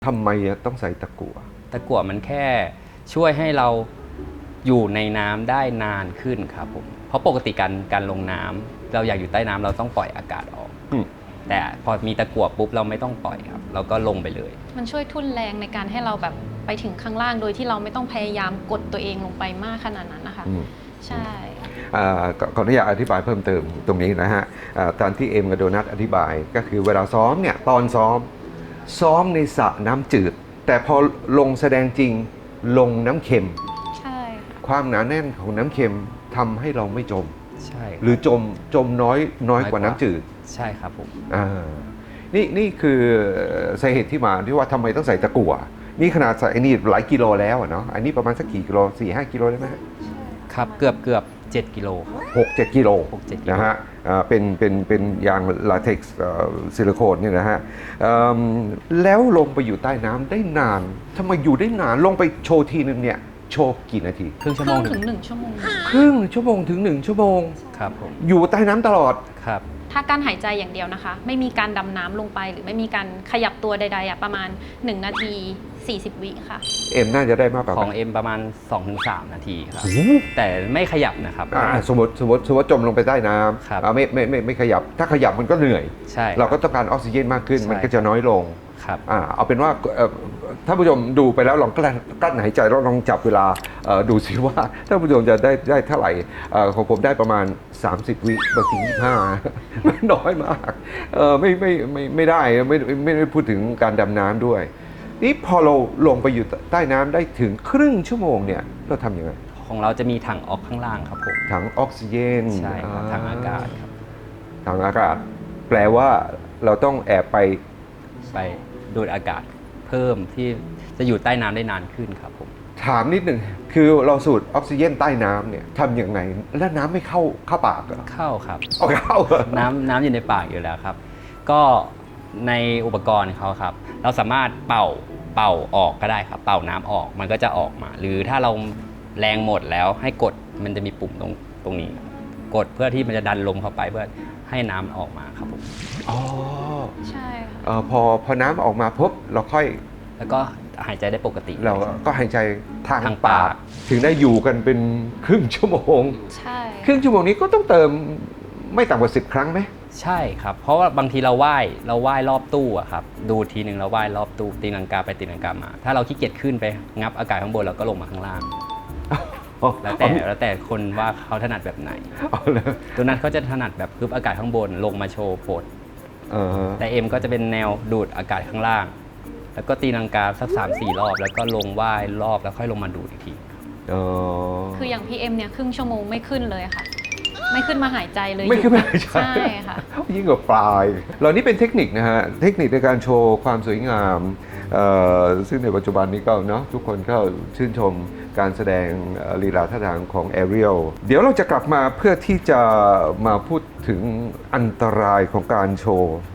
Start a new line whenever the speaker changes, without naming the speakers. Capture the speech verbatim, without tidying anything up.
ทำไมต้องใส่ตะกั่ว
ตะกั่วมันแค่ช่วยให้เราอยู่ในน้ำได้นานขึ้นครับผมเพราะปกติการการลงน้ำเราอยากอยู่ใต้น้ำเราต้องปล่อยอากาศออกแต่พอมีตะกั่วปุ๊บเราไม่ต้องปล่อยครับเราก็ลงไปเลย
มันช่วยทุ่นแรงในการให้เราแบบไปถึงข้างล่างโดยที่เราไม่ต้องพยายามกดตัวเองลงไปมากขนาดนั้นนะคะใช่
ก่อนที่อยากอธิบายเพิ่มเติมตรงนี้นะฮะตอนที่เอ็มกับโดนัทอธิบายก็คือเวลาซ้อมเนี่ยตอนซ้อมซ้อมในสระน้ำจืดแต่พอลงแสดงจริงลงน้ำเค็ม
ใช่
ความหนาแน่นของน้ำเค็มทำให้เราไม่จม
ใช่
หรือจมจมน้อยน้อยกว่าน้ำจืด
ใช่ครับผม
อ่านี่นี่คือสาเหตุที่มาที่ว่าทำไมต้องใส่ตะกั่วนี่ขนาดใส่นี่หลายกิโลแล้วเนาะอันนี้ประมาณสักกี่กิโลสี่ห้ากิโลได้ไหม
ครับเกือบเกือบเจ็ดกิโล
หกเจ็ดกิโลนะ
ฮ
ะเป็นเป็นเป็นยางลาเท็กซ์ซิลิโคนเนี่ยนะฮะแล้วลงไปอยู่ใต้น้ำได้นานทำไมอยู่ได้นานลงไปโชว์ทีนึงเนี่ยโชว์กี่นาที
ครึ่งชั่วโมง
ถึงหนึ่งชั่วโมง
ครึ่งชั่วโมงถึงหนึ่งชั่วโมง
ครับผม
อยู่ใต้น้ำตลอด
ครับ
ถ้าการหายใจอย่างเดียวนะคะไม่มีการดำน้ำลงไปหรือไม่มีการขยับตัวใดๆอ่ะประมาณหนึ่งนาทีสี่สิบวิค่ะ
เอ็มน่าจะได้มากกว่า
ของเอ็มประมาณ สองถึงสาม นาทีครับแต่ไม่ขยับนะครับ
สมมติสมมติสมมติจมลงไปใต้น้ำไม่ไม่ไม่ไม่ขยับถ้าขยับมันก็เหนื่อย
ใช่
เราก็ต้องการออกซิเจนมากขึ้นมันก็จะน้อยลง
ครับ
เอาเป็นว่าท่านผู้ชมดูไปแล้วลองกลั้นกลั้นหายใจแล้วลองจับเวลาดูสิว่าท่านผู้ชมจะได้ได้เท่าไหร่ของผมได้ประมาณสามสิบวิบางทียี่สิบห้าน้อยมากไม่ไม่ไม่ไม่ได้ไม่ไม่ได้พูดถึงการดำน้ำด้วยนี่พอเราลงไปอยู่ใต้น้ำได้ถึงครึ่งชั่วโมงเนี่ยเราทำยังไง
ของเราจะมีถังออกข้างล่างครับผม
ถังออกซิเจน
ใช่ครับถังอากาศครับ
ถังอากาศแปลว่าเราต้องแอบไป
ไปดูดอากาศเพิ่มที่จะอยู่ใต้น้ำได้นานขึ้นครับผม
ถามนิดหนึ่งคือเราสูดออกซิเจนใต้น้ำเนี่ยทำยังไงแล้วน้ำไม่เข้าเข้าปากเหรอ
เข้าครับ
เอาเข้า
น้ำน้ำอยู่ในปากอยู่แล้วครับก็ในอุปกรณ์เขาครับเราสามารถเป่าเป่าออกก็ได้ครับเป่าน้ำออกมันก็จะออกมาหรือถ้าเราแรงหมดแล้วให้กดมันจะมีปุ่มตรงตรงนี้กดเพื่อที่มันจะดันลมเข้าไปเพื่อให้น้ำออกมาครับผม
อ๋อ
ใช่
ค่ะพอพอน้ำออกมาปุ๊บเราค่อย
แล้วก็หายใจได้ปกติ
เราก็หายใจทางปากถึงได้อยู่กันเป็นครึ่งชั่วโมง
ใช่
ครึ่งชั่วโมงนี้ก็ต้องเติมไม่ต่ำกว่าสิบครั้งไหม
ใช่ครับเพราะว่าบางทีเราว่ายเราว่ายรอบตู้อะครับดูทีหนึ่งเราว่ายรอบตู้ตีลังกาไปตีลังกามาถ้าเราขี้เกียจขึ้นไปงับอากาศข้างบนเราก็ลงมาข้างล่างแล้วแต่แล้วแต่คนว่าเขาถนัดแบบไหนตัวนั้นเขาจะถนัดแบบพึบอากาศข้างบนลงมาโชว์โพดแต่เอ็มก็จะเป็นแนวดูดอากาศข้างล่างแล้วก็ตีลังกาสักสามสี่รอบแล้วก็ลงว่ายรอบแล้วค่อยลงมาดูดอีกที
คืออย่างพี่เอ็มเนี่ยครึ่งชั่วโมงไม่ขึ้นเลยค่ะไม่ขึ้นมาหายใจเลย
ไม่ขึ้นมาหายใจ
ใช่ค่ะ
ยิ่งกว่าปลายเหล่านี้เป็นเทคนิคนะฮะเทคนิคในการโชว์ความสวยงามซึ่งในปัจจุบันนี้ก็เนาะทุกคนก็ชื่นชมการแสดงลีลาท่าทางของแอเรียลเดี๋ยวเราจะกลับมาเพื่อที่จะมาพูดถึงอันตรายของการโชว์